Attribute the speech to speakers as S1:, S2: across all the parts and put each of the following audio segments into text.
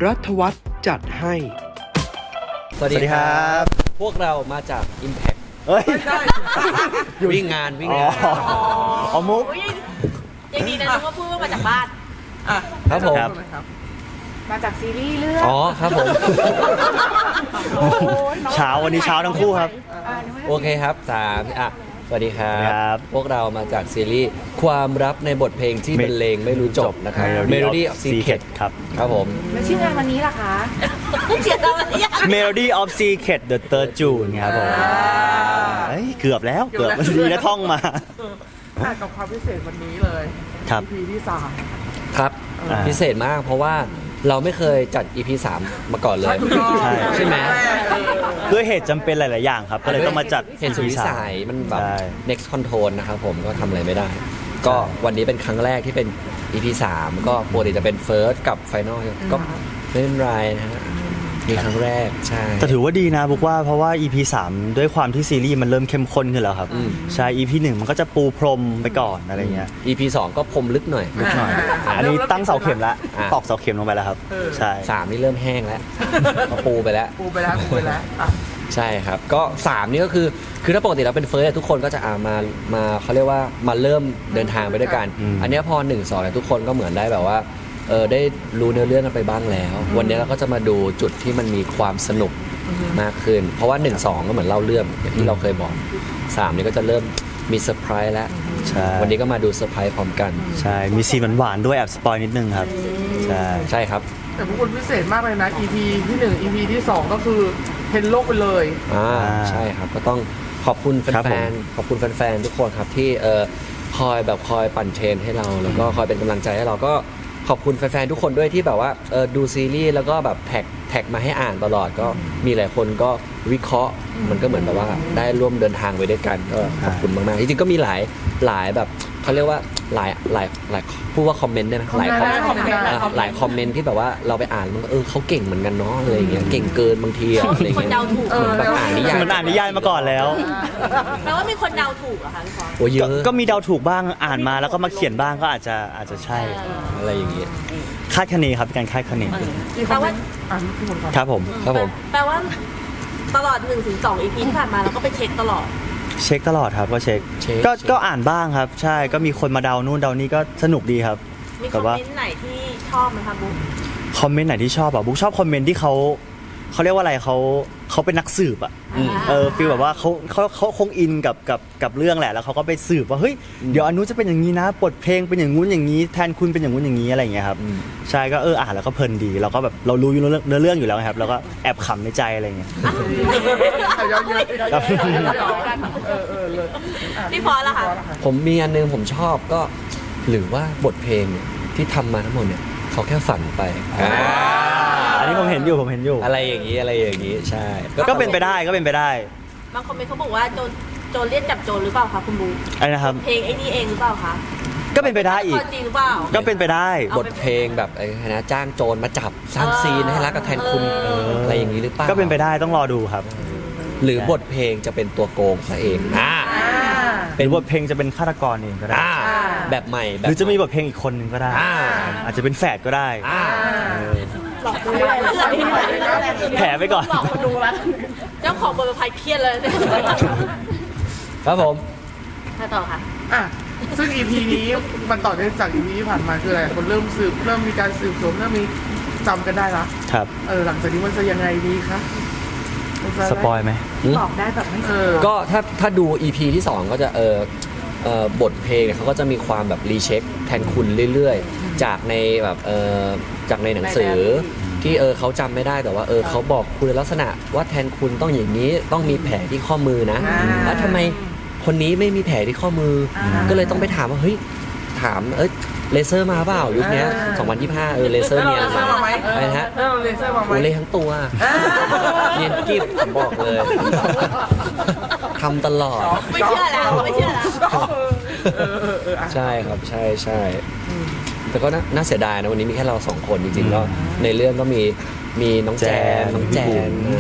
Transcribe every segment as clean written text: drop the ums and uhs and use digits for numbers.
S1: รัฐวัฒน์จัดให้
S2: สวัสดีครับพวกเรามาจาก Impact
S3: เฮ้ย
S2: วิ่งงาน
S3: อ๋อมุก
S4: อย่างนี้นะนึกว่าพูดว่ามาจากบ้าน
S2: ครับผม
S4: มาจากซีรีส์เรื่อง
S2: อ๋อครับผม
S3: เช้าวันนี้เช้าทั้งคู่ครับ
S2: โอเคครับสวัสดีครั
S3: ครับ
S2: พวกเรามาจากซีรีส์ความลับในบทเพลงที่บรรเลงไม่รู้จบนะครับ Melody of Secret
S3: ครับ
S2: ครับผม
S4: แล้วชื่องานวันนี้ล่ะคะเขียนอะไรอ่ะ
S3: Melody of Secret The Third June ครับผมเฮ้ยเกือบแล้วดีนะท่องมา
S5: กับความพิเศษวันนี้เลย
S3: ครับ
S5: EP ที่3
S2: ครับ
S3: อ่า
S2: พิเศษมากเพราะว่าเราไม่เคยจัด EP 3 มาก่อนเลย ใช่ไหม
S3: ด้วยเหตุจำเป็นหลาย ๆ อย่างครับ ก็เลยต้องมาจัด
S2: เห็นสุดวิสัยมันแบบ
S3: ใช่
S2: next control นะครับผมก็ทำอะไรไม่ได้ ก็วันนี้เป็นครั้งแรกที่เป็น EP 3 ก็ปกติจะเป็น first กับ final ก็ไม่เป็นไรนะฮะมีครั้งแรกใช่
S3: แต่ถือว่าดีนะบอกว่าเพราะว่า EP 3 ด้วยความที่ซีรีส์มันเริ่มเข้มข้นขึ้นแล้วครับ ใช่ EP 1 มันก็จะปูพรมไปก่อนอะไรเงี้ย
S2: EP 2 ก็พรมลึกหน่อย
S3: นิดหน่อย อันนี้ตั้งเสาเข็มแล้ว
S2: อ่ะ
S3: ตอกเสาเข็มลงไปแล้วครับ ใช่
S2: 3 นี่เริ่มแห้งแล้วก็ปูไปแล้ว
S5: ปูไปแล้วอ่ะ
S2: ใช่ครับ ก็ 3 นี่ก็คือถ้าปกติเราเป็นเฟิร์สทุกคนก็จะมาเขาเรียกว่ามาเริ่มเดินทางไปด้วยกัน อันเนี้ยพอ 1 2เนี่ยทุกคนก็เหมือนได้แบบว่าได้รู้เนื้อเรื่องกันไปบ้างแล้ว วันนี้เราก็จะมาดูจุดที่มันมีความสนุกมากขึ้น เพราะว่า 1 2 ก็เหมือนเล่าเรื่องอย่างที่เราเคยบอก 3 นี่ก็จะเริ่มมีเซอร์ไพรส์แล้ว
S3: ใช่
S2: วันนี้ก็มาดูเซอร์ไพรส์พร้อมกัน
S3: ใช่ มีซีนหวานๆด้วยแอบสปอยนิดนึงครับ ใช่
S2: ใช่ครับ
S5: แต่พวกคุณพิเศษมากเลยนะ EP ที่ 1 EP ที่ 2 ก็คือเห็นโลกไปเลย
S2: ใช่ครับก็ต้องขอบคุณแ
S3: ครับ
S2: ฟ
S3: ผม
S2: นๆขอบคุณแฟนๆทุกคนครับที่คอยปั่นเทรนให้เราแล้วก็คอยเป็นกำลังใจให้เราก็ขอบคุณแฟนๆทุกคนด้วยที่แบบว่าดูซีรีส์แล้วก็แบบแท็กมาให้อ่านตลอดก็มีหลายคนก็วิเคราะห์มันก็เหมือนแบบว่าได้ร่วมเดินทางไปด้วยกันก็ขอบคุณมากๆจริงๆก็มีหลายแบบเขาเรียกว่าหลายพูดว่าคอมเมนต์ได้ไหมหลายคอมเมนต์ หลายคอมเมนต์ที่แบบว่าเราไปอ่านมันก็เขาเก่งเหมือนกันเนาะอะไรอย่างเงี้ยเก่งเกินบางทีอะอะไร
S4: มีคน
S2: เงี้ย
S4: เดาถูก
S2: เหมือนแบบอ่านนิยาย
S3: มันอ่านนิยายมาก่อนแล้ว
S4: แปลว่ามีคนเดาถูกเหรอคะพี่ฟอน
S2: โอ้เยอะ
S3: ก็มีเดาถูกบ้างอ่านมาแล้วก็มาเขียนบ้างก็อาจจะใช่
S2: อะไรอย่างเงี้ย
S3: คาดคะเนครับเป็นการคาดคะเน
S5: ที่เขาเป็นอ่ะพี่คนก่อน
S3: ครับผม
S2: ครับผม
S4: แปลว่าตลอด 1-2 EP ที่ผ่านมาเราก็ไปเช็คตลอด
S3: เช็คตลอดครับก็เช็คก็อ่านบ้างครับ ใช่ก็มีคนมาเดานู่นเดานี่ก็สนุกดีครับ
S4: มีค
S3: แต่
S4: อม
S3: ว่า
S4: เมนต์ไหนที่ชอบไหมคะบุ๊ค
S3: คอมเมนต์ไหนที่ชอบอ่ะบุ๊กชอบคอมเมนต์ที่เขาเรียกว่าอะไรเขาเป็นนักสืบอ่ะฟีลแบบว่าเขาคงอินกับเรื่องแหละแล้วเขาก็ไปสืบว่าเฮ้ยเดี๋ยวอนุจะเป็นอย่างนี้นะบทเพลงเป็นอย่างงู้นอย่างนี้แทนคุณเป็นอย่างงู้นอย่างนี้อะไรอย่างเงี้ยครับใช่ก็อ่านแล้วก็เพลินดีเราก็แบบเรารู้อยู่เนื้อเรื่องอยู่แล้วครับแล้วก็แอบขำในใจอะไรอย่างเงี้ย
S5: เอาเยอะๆ
S3: ครับ
S5: เลย
S4: พี่ฟอนล่ะคะ
S2: ผมมีอันนึงผมชอบก็หรือว่าบทเพลงเนี่ยที่ทำมาทั้งหมดเนี่ยเขาแค่ฝันไป
S3: อันนี้ผมเห็นอยู่
S2: อะไรอย่างนี้ใช่
S3: ก็เป็นไปได้
S4: บางคอมเมนต์เขาบอกว่าโจรเรียกจับโจรหรือเปล่าคะคุณบุ๊ค
S3: อะไรนะครับ
S4: เพลงไอ้นี่เองหรือเปล่าคะ
S3: ก็เป็นไปได้อีก
S4: จริงหรือเปล่า
S3: ก็เป็นไปได้
S4: เอา
S2: บทเพลงแบบนะจ้างโจรมาจับสร้างซีนให้รักกับแทนคุณอะไรอย่างนี้หรือเปล่า
S3: ก็เป็นไปได้ต้องรอดูครับ
S2: หรือบทเพลงจะเป็นตัวโกงซะเอง
S3: เป็นบทเพลงจะเป็นฆาตกรเองก็ได้
S2: แบบใหม่แบบ
S3: หรือจะมีบทเพลงอีกคนหนึ่งก็ได้ อาจจะเป็นแฝดก็ได้
S4: หลอกดูอะไร
S3: แผลไปก่อน
S4: หลอกคนดูแล้วเจ้าของบทประพันธ์เครียดเลยเนี่ย
S2: ครับผม
S4: ถ้าต่อค่ะ
S5: อ่ะซึ่ง EP นี้มันต่อเนื่องจาก EP ที่ผ่านมาคืออะไรคนเริ่มสืบเริ่มมีการสืบสวนเริ่มมีจำกันได้ละ
S3: ครับ
S5: หลังจากนี้มันจะยังไงดีคะมันจะ
S3: สปอยไหม
S4: บอกได้แบบไม่เสีย
S2: ก็ถ้าดู EP ที่ 2 ก็จะบทเพลงเนี่ยเขาก็จะมีความแบบรีเช็คแทนคุณเรื่อยๆ จากในแบบจากในหนังสือที่เขาจำไม่ได้แต่ว่าเขาบอกคุณลักษณะว่าแทนคุณต้องอย่างนี้ต้องมีแผลที่ข้อมือนะแล้วทำไมคนนี้ไม่มีแผลที่ข้อมือก็เลยต้องไปถามว่าเฮ้ยถามเลเซอร์มาเปล่ายุคนี้2025เลเซอร์เนียนมาอะไรนะฮะ
S5: เลเซอร์มาไหม
S2: โอเลยทั้งตัวเนียนกิ๊บผมบอกเลยทำตลอด
S4: ไม่เชื่อแล้วไม่เชื่อแล้ว
S2: ใช่ครับใช่แต่ก็น่าเสียดายนะวันนี้มีแค่เรา2 คนจริงๆก็ในเรื่องก็มีน้องแจนน้องแจน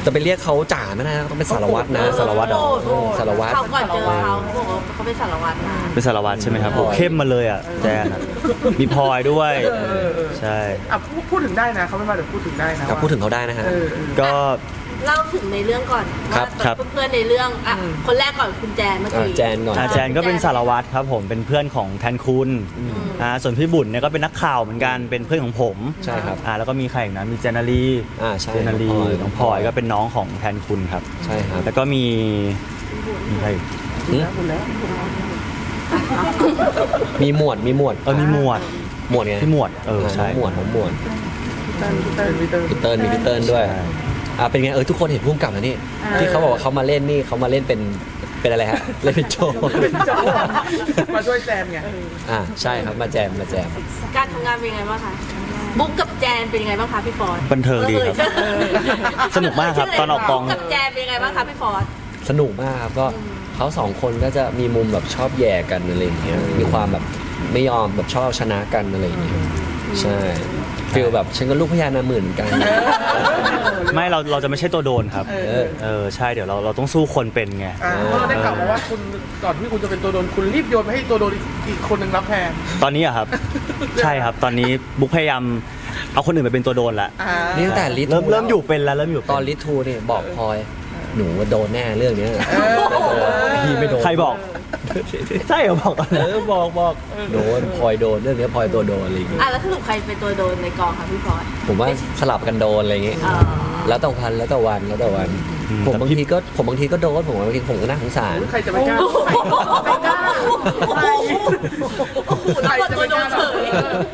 S2: จะไปเรียกเขาจ่าไม่ได้นะต้องเป็นสารวัตรนะ
S3: สารวัตรเหรอ
S2: สารวัตร
S4: เขาก่อนเจอเขาบอกว่าเขาเป็นสารวัตรนะ
S3: เป็นสารวัตรใช่ไหมครับ
S2: พลอย
S3: โอ้เข้มมาเลยอ่ะแจนอะมีพลอยด้วย ใช่
S5: อ่ะพูดถึงได้นะเขาไม่มาเดี๋ยวพูดถึงได้นะ
S2: ครับพูดถึงเขาได้นะฮะ
S3: ก็
S4: เล่าถึงในเรื่องก่อน
S2: ครับ
S4: ว่า
S3: ครับ
S4: เพื่อนๆในเรื่องอ่ะคนแรกก่อนคุณแจนเมื่อกี้
S2: แจนก่อน
S3: อาแจนก็เป็นสารวัตรครับผมเป็นเพื่อนของแทนคุณส่วนพี่บุญเนี่ยก็เป็นนักข่าวเหมือนกันเป็นเพื่อนของผม
S2: ใช่ครับ
S3: แล้วก็มีใครอีกนะมีเจนารี
S2: ใช่
S3: เจนารี
S2: น้
S3: น้
S2: อ
S3: อง ง
S2: พ
S3: พ
S2: ล
S3: ล
S2: อ
S3: อย ยก็เป็นน้องของแทนคุณครับ
S2: ใช่ครับ
S3: แล้วก็มีใครอีก
S2: มีหมวดมีหมวด
S3: มีหมวด
S2: หมวดไง
S3: พี่หมวดใช่
S2: น้องหมวดน้องหมวด
S5: พี่เติ้ล
S2: พี่เติ้ลมีพี่เติ้ลด้วย
S3: ใช่
S2: เป็นไงทุกคนเห็นพุ่มกับแล้วนี่ที่เขาบอกว่าเขามาเล่นนี่เขามาเล่นเป็นอะไรฮะเล่นเป็นโจ
S5: มาช่วยแจมไง
S2: ใช่ครับมาแจม
S4: การทำงานเป็นยังไงบ้างคะบุ๊กกับแจนเป็นยังไงบ้างคะพี่ฟอร์ด
S3: บันเทิงดีครับ สนุกมากครับตอนออกกอง
S4: บุ๊กับแจนเป็นยังไงบ้างคะพี่ฟอร์ด
S2: สนุกมากครับก็เขาสองคนก็จะมีมุมแบบชอบแย่กันอะไรอย่างเงี้ยมีความแบบไม่ยอมแบบชอบชนะกันอะไรอย่างเงี้ยใช่ฟีลแบบฉันก็ลูกพญานาคหมื่นเหมือนกัน
S3: ไม่เราจะไม่ใช่ตัวโดนครับใช่เดี๋ยวเราต้องสู้คนเป็นไง
S5: เพราะเราได้ข่าวมาว่าคุณก่อนที่คุณจะเป็นตัวโดนคุณรีบโยนไปให้ตัวโดนอีกคนหนึ่งรับแทน
S3: ตอนนี้อะครับ ใช่ครับตอนนี้บุ๊กพยายามเอาคนอื่นไปเป็นตัวโดนละ
S2: นี่ตั้งแต่ลิท
S3: เริ่มอยู่เป็นแล้วเริ่มอยู่เป็น
S2: ตอนลิทูนี่บอกพลอยหนูว่าโดนแน่เรื่องเนี้ยพี่ไม่โดน
S3: ใครบอก ใช่เหรอบอกอะไร
S2: บอกโดนพลอยโดนเรื่องเนี้ยพลอยตัวโดนอะไรอย่างเงี้ย
S4: แล้วสรุปใครเป็นตัวโดนในกองคะพี่ฟอร์ด
S2: ผมว่าสลับกันโดนอะไรอย่างเงี้ย แล้วแต่วันผมบางทีก็โดนผมบางทีผมก็น่าสงสาร
S5: ใครจะไม่กล้า
S4: ไม่กล้าโอ้โหแล้วคนตัวโดนเฉย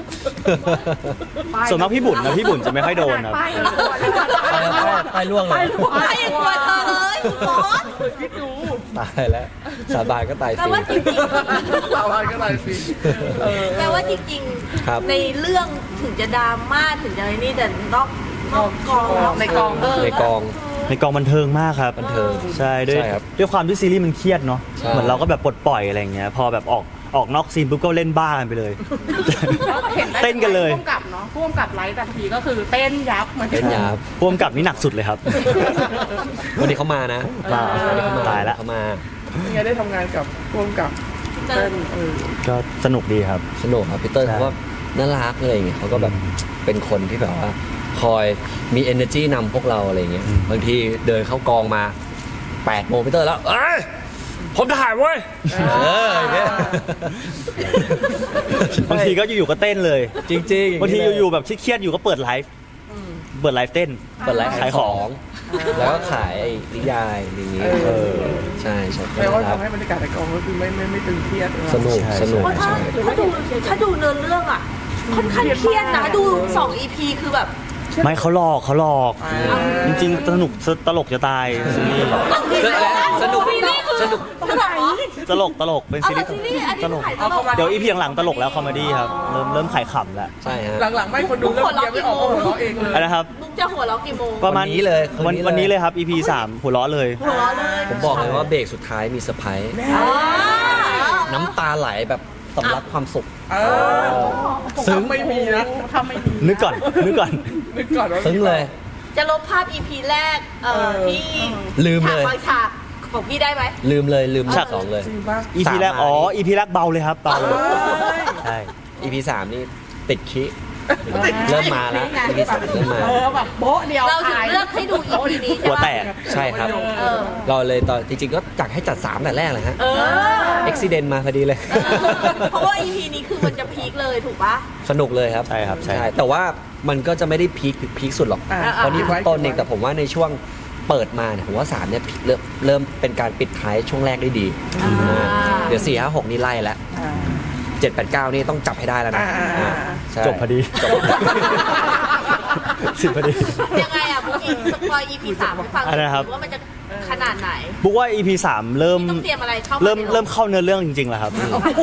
S3: ส่วนมากพี่บุญนะพี่บุญจะไม่ค่อยโดนครับ
S2: ไปล่วงเลย
S4: ไม่ยังกลัวเธอเลยคุณฟอร์ด
S5: คิดดู
S2: ตายแล้วสาบานก็ตาย
S4: แปล
S2: ฟรี
S4: ว่าจริง
S5: สาวานก็ตายฟรี
S4: ๆแปลว่าจริง
S2: ครับ
S4: ๆในเรื่องถึงจะดราม่าถึงจะอะไรนี่แต่นอกกอง
S5: ในกอง
S2: ในกอง
S3: ในกองบันเทิงมากครับ
S2: บันเทิง
S3: ใช่ด้วย
S2: ใช่ครับ
S3: ด้วยความที่ซีรีส์มันเครียดเนาะ
S2: ใช่
S3: เหมือนเราก็แบบปลดปล่อยอะไรอย่างเงี้ยพอแบบออกนอกซีนปุ๊บก็เล่นบ้ากันไปเลย เต้นกันเลย
S1: พ่วงกับเนาะพ่วงกับไลฟ์แต่ทีก็คือเต้นยับเหมือน
S2: เป็นยา
S3: พ่วงกับนี่หนักสุดเลยครับ
S2: วันนี้เขามานะ วันนี้เขามา
S3: ตายละ
S2: เขามา
S5: ยังไงได้ทำงานกับร่วมกับเต้น
S3: ก็สนุกดีครับ
S2: สนุกครับพีเตอร์
S3: ใช่
S2: เขาก็น่ารักอะไรอย่างเงี้ยเขาก็แบบเป็นคนที่แบบว่าคอยมี energy นำพวกเราอะไรอย่างเงี้ยบางทีเดินเข้ากองมา8 โมงพีเตอร์แล้วผมถ่ายเว้ยอย่างเงี้ย
S3: บางทีก็อยู่ๆก็เต้นเลย
S2: จริงๆ
S3: บางทีอยู่ๆแบบเครียดๆอยู่ก็เปิดไลฟ์เต้น
S2: เปิดไลฟ์ขายของ แล้วก็ขายไอ้นิยายอย่างงี้ใช่ใช่
S5: แปลว่าทำให้บรรยากาศในกองก็คือไม่ตึงเครียด
S2: สนุกสนุก
S4: เพราะถ้าดูเนื้อเรื่องอ่ะค่อนข้างเครียดนะดู2 EP คือแบบ
S3: ไม่เขาหลอกจริงๆสนุกตลกจะตายซีรีส์
S2: สนุก
S4: ซีรีส์คือ
S2: สนุก
S3: ตลกเป็น
S4: เอา
S3: ซีรี
S4: แต่
S3: ส์
S4: ซีรีส์อันนี้
S3: ตลก
S4: ถ่ายตลก
S3: เดี๋ยวอีพีหลังๆตลกแล้วคอมเมดี้ครับเริ่มขายขำแล้ว
S2: ใช่ฮะ
S5: หลังๆไม่คนดูเริ่มเกียร์ไม่ออกก็หัวเราะเองเลย
S3: อะไรนะครับ
S4: ลุงจะหัวเราะกี่โมง
S3: ประมาณ
S2: วันนี้เลย
S3: วันนี้เลยครับ EP 3หัวเราะเลย
S4: หัวเราะเลย
S2: ผมบอกเลยว่าเบรกสุดท้ายมีเซอร์ไพรส์
S4: อ่า
S2: น้ำตาไหลแบบสำลักความสุข
S5: ซึ้งไม่มีนะ
S1: ทำไม่ดี
S3: นึกก่อน
S5: นึกก่อนว่า
S2: ซึ้งเลย
S4: จะลบภาพ EP แรกที่
S2: ลืมเลย
S4: ฉากบางฉากของพี่ได้ไหม
S2: ลืม
S3: ฉาก
S2: สองเลย
S5: จริงป่ะ
S3: EP แรก
S2: 3
S3: EP แรกเบาเลยครับเบาเลยใช่
S2: EP 3นี่ติดคิเริ่มมาแล้ว EP 3เริ่มมา
S1: แบบโบ๊ะเดียว
S4: เราถึง
S1: ตาย
S4: เลือกให้ดู EP นี้
S3: หัว
S4: ใช่
S3: แต
S4: ปะ
S3: ก
S2: ใช่ครับ
S4: เออ
S2: เราเลยตอนจริงๆก็จัดให้จัด3แต่แรกเลยฮะ
S4: เออ
S2: Accident มาพอดีเลย
S4: เพราะว่า EP นี้คือมันจะพีคเลยถูกปะ
S2: สนุกเลยครับ
S3: ใช่ครับใช่
S2: แต่ว่ามันก็จะไม่ได้พีคสุดหรอก เพราะนี่เพิ่งต้นเองแต่ผมว่าในช่วงเปิดมาเนี่ยผมว่า3เนี่ยเริ่มเป็นการปิดท้ายช่วงแรกได้ดีเดี๋ยว4 5 6นี่ไล่แล้ว7 8 9นี่ต้องจับให้ได้แล้วนะใช่
S3: จบพอดี10พอดี
S4: ยังไงอ่ะบุ๊กสปอย EP 3ให้ฟังหน่
S3: อะไร
S4: อย
S3: นะครับ
S4: ว่ามันจะขนาดไหน
S3: บุ๊กว่า EP 3เริ่ม
S4: ต้องเตรียมอะไรเข้ามา
S3: เริ่มเข้าเนื้อเรื่องจริงๆแล้วครับ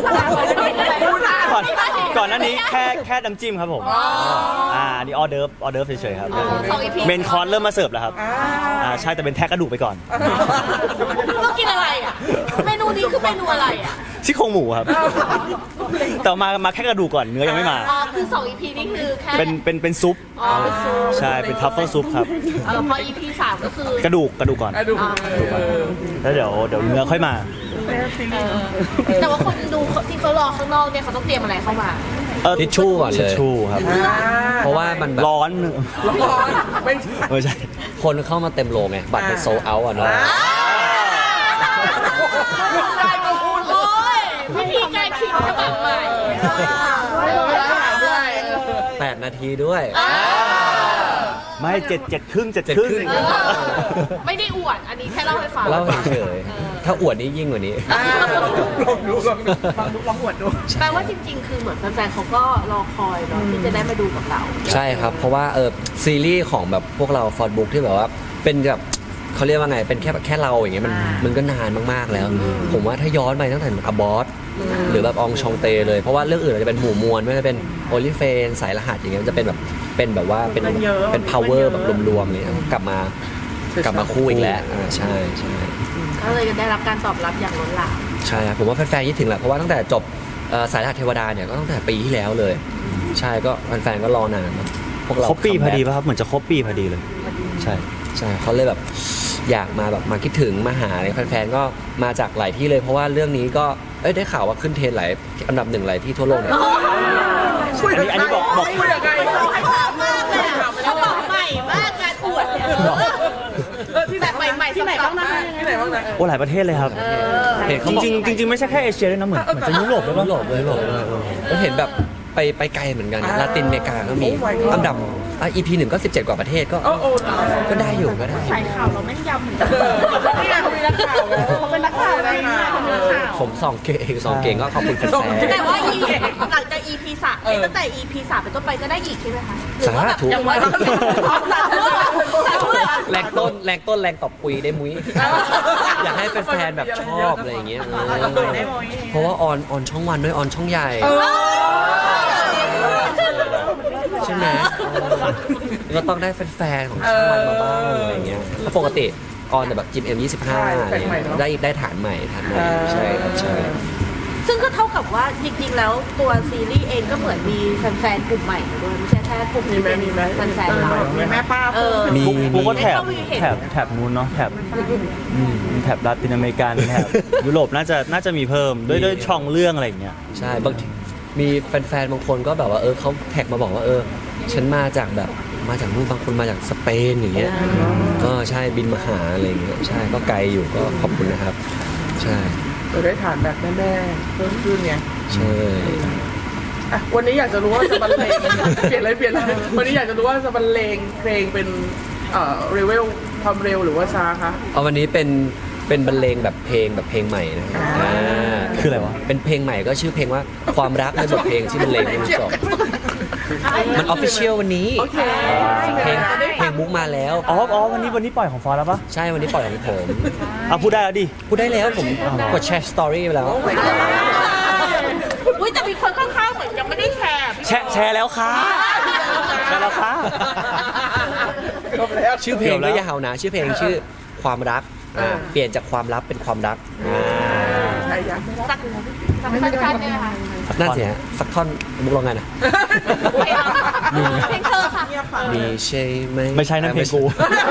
S3: ก่อนหน้านี้แค่น้ำจิ้มครับผมนี่ออเดิร์ฟเฉยๆครับ
S4: 2 EP
S3: เมนคอร์สเริ่มมาเสิร์ฟแล้วครับใช่แต่เป็นแทะกระดูกไปก่อน
S4: ต้องกินอะไรอ่ะ เมนูนี้คือเมนูอะไรอ่ะ
S3: ซี่โครงหมูครับแต่มาแค่กระดูกก่อนเนื้อยังไม่มา
S4: อ๋อคือ2 EP นี่คือแค่
S3: เป็นซุป
S4: อ๋อเป็นซู
S3: ใช่เป็นทัฟเฟิลซุปครับ
S4: พอ EP 3ก็คือก
S3: ระดูกก่อน
S5: ดู
S3: แล้วเดี๋ยวเนื้อค่อยมา
S4: แต่ว่าคนดูที่เขารอข้างนอกเนี่ยเขาต้องเตรียมอะไรเข้ามา
S2: ทิชชู่ก่อนเลย
S3: ทิชชู่ครับ
S2: เพราะว่ามันแบบ
S3: ร้อน
S5: ร้อนไม่ใช่
S3: ไม่ใช่
S2: คนเข้ามาเต็มโรงไงบัตรมันโซเอาอ่ะเนาะ
S4: โอ้ยวิธีการคิดฉบับใหม่
S5: ด้วย
S2: 8 นาทีด้วย
S3: ไม่7 ครึ่ง
S4: ไม่ได้อวด อันนี้แค่เล่าให้ฟัง
S2: เล่าเฉยๆถ้าอวดนี่ยิ่งกว่านี้
S5: ลองดูลองอวดดู
S4: แปลว่าจริงๆ คือเหมือนแฟนๆเขาก็รอคอยเนาะที่จะได้มาดูกับเรา
S2: ใช่ครับ เพราะว่าซีรีส์ของแบบพวกเราฟอร์ดบุ๊กที่แบบว่าเป็นแบบเขาเรียกว่าไงเป็นแค่เราอย่างเงี้ยมันก็นานมากๆแล้ว ผมว่าถ้าย้อนไปตั้งแต่อบอสหรือแบบอองชองเตเลยเพราะว่าเรื่องอื่นอาจจะเป็นหมู่มวลไม่ว่าจะเป็นโอลิเฟนสายรหัสอย่างเงี้ยมันจะเป็นแบบว่าเป็น power แบบรวมๆเลยกลับมาคู่อีกแล้วใช่ใช่
S4: ก็เลยได้รับการตอบรับอย่างล้นหลาม
S2: ใช่ครับผมว่าแฟนๆคิดถึงแหละเพราะว่าตั้งแต่จบสายรหัสเทวดาเนี่ยก็ตั้งแต่ปีที่แล้วเลย ใช่ก็แฟนๆก็รอนานเนอะพวกเรา
S3: ครบปีพอดีป่ะครับเหมือนจะครบปีพอดีเลย ใช่
S2: ใช่เขาเลยแบบอยากมาแบบมาคิดถึงมาหาอะไรแฟนๆก็มาจากหลายที่เลยเพราะว่าเรื่องนี้ก็ได้ข่าวว่าขึ้นเทรนด์หลายอันดับ1หลายที่ทั่วโลกเนี่ย
S3: อันนี้บอก
S5: คุยกับใคร
S4: เขาบอกใหม่มากการอวดเนี่ยแบบใหม่ๆ
S1: ที่ไหนบ้างนะ
S5: ที่ไหนบ้างนะ
S3: โอ้หลายประเทศเลยครับ
S2: เห็น
S3: จ
S2: เขาบอก
S3: ริงๆไม่ใช่แค่เอเชียด้วยนะเหมือนจะยุโรปด้วยป่ะ
S2: ยุโรปเลยแล้วเห็นแบบไปไกลเหมือนกันลาตินอเมริกาก็มีอันดับEP 1ก็17กว่าประเทศก็
S5: โอ้ตาย
S2: ก็ได้อยู่ก็ได้
S1: สายข่าวเราแม่นยำเหมือนกัน
S5: นี่ไงเขามีนักข่าวไง
S1: เขาเป็นนักข่าวอะไรเนี่ยเขาเป็นนักข่าว
S2: ผมส่องเก่งก็ขอบคุณแฟน
S4: แต่ว่าหลังจาก EP 3ตั้งแต่ EP 3เป็นต้นไปก็ได้อีกใช่ไหมคะ
S2: สาธุ
S4: ยังไม่สาธุ
S2: แรงต้นแรงตบปุยได้มุ้ยอยากให้แฟนๆแบบชอบอะไรอย่างเงี้ยเพราะว่าออนช่องวันด้วยออนช่องใหญ่ใช่ไหมก็ต้องได้แฟนๆของช่องวันมาบ้างอะไรเงี้ยเพราะปกติออนแต่แบบจิมM25อะไรเงี้ยได้ฐานใหม่ใช่ครับใช่
S4: ซึ่งก็เท่ากับว่าจริงๆแล้วตัวซีรีส์เองก็เหมือนมีแฟนๆกลุ่มใหม่ด้วยไม่ใช่แค่กลุ่มที่เป็นแฟนๆเรา
S5: มีแม่ป้า
S2: มี
S3: ปุ๊กก็แถบนู้นเนาะแถบลาตินอเมริกันแถบยุโรปน่าจะมีเพิ่มด้วยช่องเรื่องอะไรอย่างเงี้ย
S2: ใช่บางทีมีแฟนๆบางคนก็แบบว่าเขาแท็กมาบอกว่าฉันมาจากนู่นบางคนมาจากสเปนอย่างเงี้ยก็ใช่บินมาหาอะไรอย่างเงี้ยใช่ก็ไกลอยู่ก็ขอบคุณนะครับใช่
S5: เราได้ฐานแบบแม่ๆเพิ่มขึ้นไง
S2: ใช่
S5: วันนี้อยากจะรู้ว่าจะบรรเลงเปลี่ยนเลยวันนี้อยากจะรู้ว่าจะบรรเลงเพลงเป็นเรเวลความเร็วหรือว่าช้าคะ
S2: เอาวันนี้เป็นบรรเลงแบบเพลงใหม่นะครับ
S3: คืออะไรวะ
S2: เป็นเพลงใหม่ก็ชื่อเพลงว่าความรักในบทเพลงที่บรรเลงให้มันจบมันออฟฟิเชียลวันนี้
S5: โอเค
S2: เพลงมุกมาแล้ว
S3: อ๋อวันนี้ปล่อยของฟอร์แล้วปะ
S2: ใช่วันนี้ปล่อยของผม
S3: พูดได้แล้วดิ
S2: พูดได้แล้วผมกดแชร์สตอรี่ไปแล้ว
S4: อุ้ยแต่มีคนข้างๆเหมือนยังไม่ได้แชร์
S3: แชร์แล้วค่ะแชร์แล้วค่ะ
S2: ชื่อเพลงก็ยาวนะชื่อเพลงชื่อความรักเปลี่ยนจากความลับเป็นความรัก
S5: ใช่ยัง
S4: สักสั้นๆเนี่ยนะคะ
S2: น่าเสียสักท่อนมุกร้องไงนะ
S4: เพลงเธอค่ะ
S2: มีใช่ไหม
S3: ไม่ใช่นั่นเพลงกู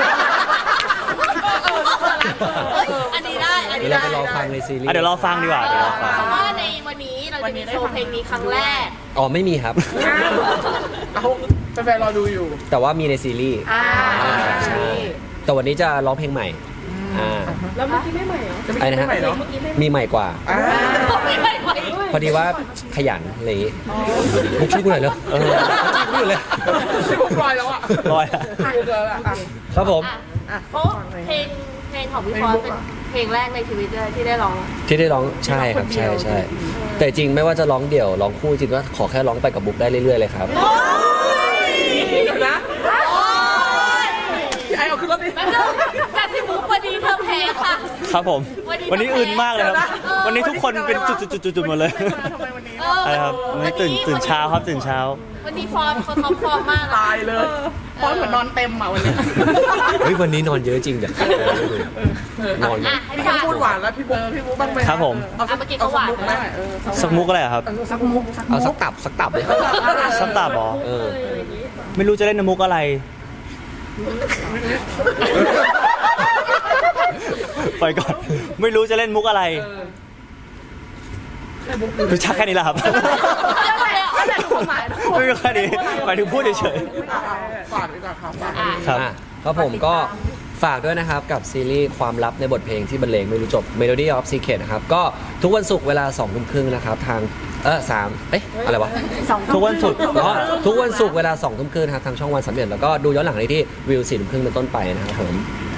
S4: อันนี้ได้ อัน
S2: เดี๋
S4: นี้
S2: ยวเรา
S4: ได้
S2: ไปรอฟังในซีรีส์
S3: เดี๋ยวรอฟังดีกว่าเดี๋ยวรอฟัง
S4: เพราะว่าในวันนี้เราจะมีโชว์เพลงนี้ครั้งแรก
S2: อ๋อไม่มีครับ
S5: เอาแฟนๆรอดูอยู่
S2: แต่ว่ามีในซีรีส์
S4: ใช่
S2: แต่วันนี้จะร้องเพลงใหม่แล้วเมื่อกี้ไม่ใหม่เหรอไอ้นะฮะมีใหม่กว่า พอดีว่าขยันอะไรอย่างงี้มุกช่วยกูหน่อยเร็วพูดเลย
S5: ที่พวกลอยแล้วอ่ะ
S3: ลอยอะ
S5: พูดแล้วอ่ะ
S2: ครับผม
S4: เพราะเพลงของพี่ฟอสเป็นเพลงแรกในชีวิตเลยที่ได้ร้อง
S2: ที่ได้ร้องใช่ครับใช่แต่จริงไม่ว่าจะร้องเดี่ยวร้องคู่จริงก็ขอแค่ร้องไปกับบุ๊กได้เรื่อยๆเลยครับ
S5: เดี๋ยวนะพี่ไอเอาขึ้นรถดิ
S4: แต่สิมุกวันนี้เธอแพ้ค่ะ
S3: ครับผม วันนี้อื่นมากเลยครับ วันนี้ทุกคนเป็นจุดๆๆหมดเลย
S5: ทำไมวันนี้
S3: อะไรครับวันนี้ตื่นเช้าครับตื่นเช้า
S4: วันนี้ฟอร์มเขาท็อปฟอร์มมากนะ
S5: ตายเลยเพราะเหมือนนอนเต็มอ่ะวันนี้
S2: เฮ้ยวันนี้นอนเยอะจริงจ้ะนอน
S4: อ่ะให้
S5: พี่
S4: ฝาก
S5: พูดหวานแล้วพี่บุ๊กบ้างไหม
S3: ครับผม
S5: เอาสัก
S4: เมื่อกี้ก็หวาน
S5: มุกไหม
S3: สักมุกอะไรอะครับ
S5: สักมุก
S2: เอาสักตับเลย
S3: สักตาบอ
S2: เออ
S3: ไม่รู้จะเล่นมุกอะไร ไปก่อน ไม่รู้จะเล่นมุกอะไรรู้ชักแค่นี้แหละครับ ไม่มีแค่นี้หมายถึงพูดเฉย
S5: ฝากดีกว่าครับฝาก
S3: ๆครับ
S2: อ่ะครับผมก็ฝากด้วยนะครับกับซีรีส์ความลับในบทเพลงที่บรรเลงไม่รู้จบ Melody of Secret นะครับก็ทุกวันศุกร์เวลา 20:30 นะครับทางอะไรวะ
S3: ทุกวันศุกร์
S2: อ๋อทุกวันศุกร์เวลา 20:30 ครับทางช่องวัน31แล้วก็ดูย้อนหลังได้ที่วิว 4:30 เป็นต้นไปนะครับผม